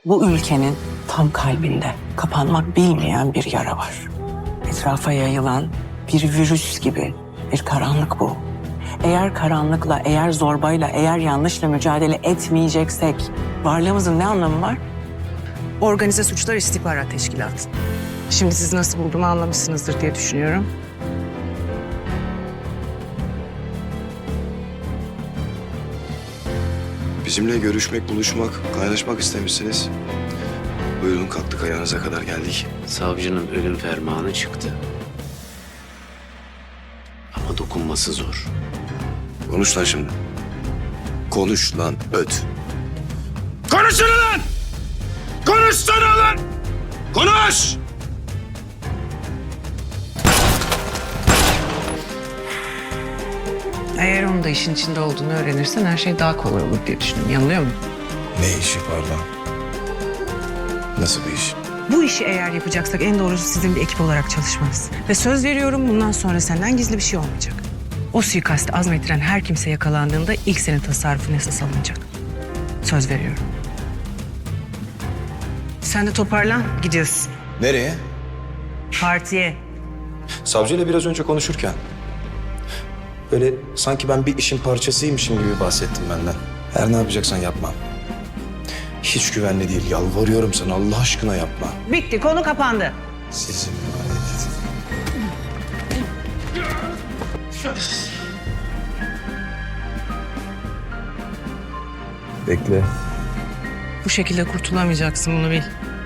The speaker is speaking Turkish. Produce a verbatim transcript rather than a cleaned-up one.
Bu ülkenin tam kalbinde kapanmak bilmeyen bir yara var. Etrafa yayılan bir virüs gibi bir karanlık bu. Eğer karanlıkla, eğer zorbayla, eğer yanlışla mücadele etmeyeceksek varlığımızın ne anlamı var? Organize Suçlar İstihbarat Teşkilatı. Şimdi siz nasıl bulduğumu anlamışsınızdır diye düşünüyorum. Bizimle görüşmek, buluşmak, kaynaşmak istemişsiniz. Buyurun, kalktık ayağınıza kadar geldik. Savcının ölüm fermanı çıktı. Ama dokunması zor. Konuş lan şimdi. Konuş lan, öt. Konuşsana lan! Konuşsana lan! Konuş! Eğer onun da işin içinde olduğunu öğrenirsen her şey daha kolay olur diye düşündüm. Yanılıyor muyum? Ne işi pardon? Nasıl bir iş? Bu işi eğer yapacaksak en doğrusu sizin bir ekip olarak çalışmanız. Ve söz veriyorum bundan sonra senden gizli bir şey olmayacak. O suikasti azmettiren her kimse yakalandığında ilk senin tasarrufun esas alınacak. Söz veriyorum. Sen de toparlan, gidiyorsun. Nereye? Partiye. Savcıyla biraz önce konuşurken böyle sanki ben bir işin parçasıymışım gibi bahsettim benden. Her ne yapacaksan yapma. Hiç güvenli değil. Yalvarıyorum sana, Allah aşkına yapma. Bitti, konu kapandı. Sizin emanet. Bekle. Bu şekilde kurtulamayacaksın, bunu bil.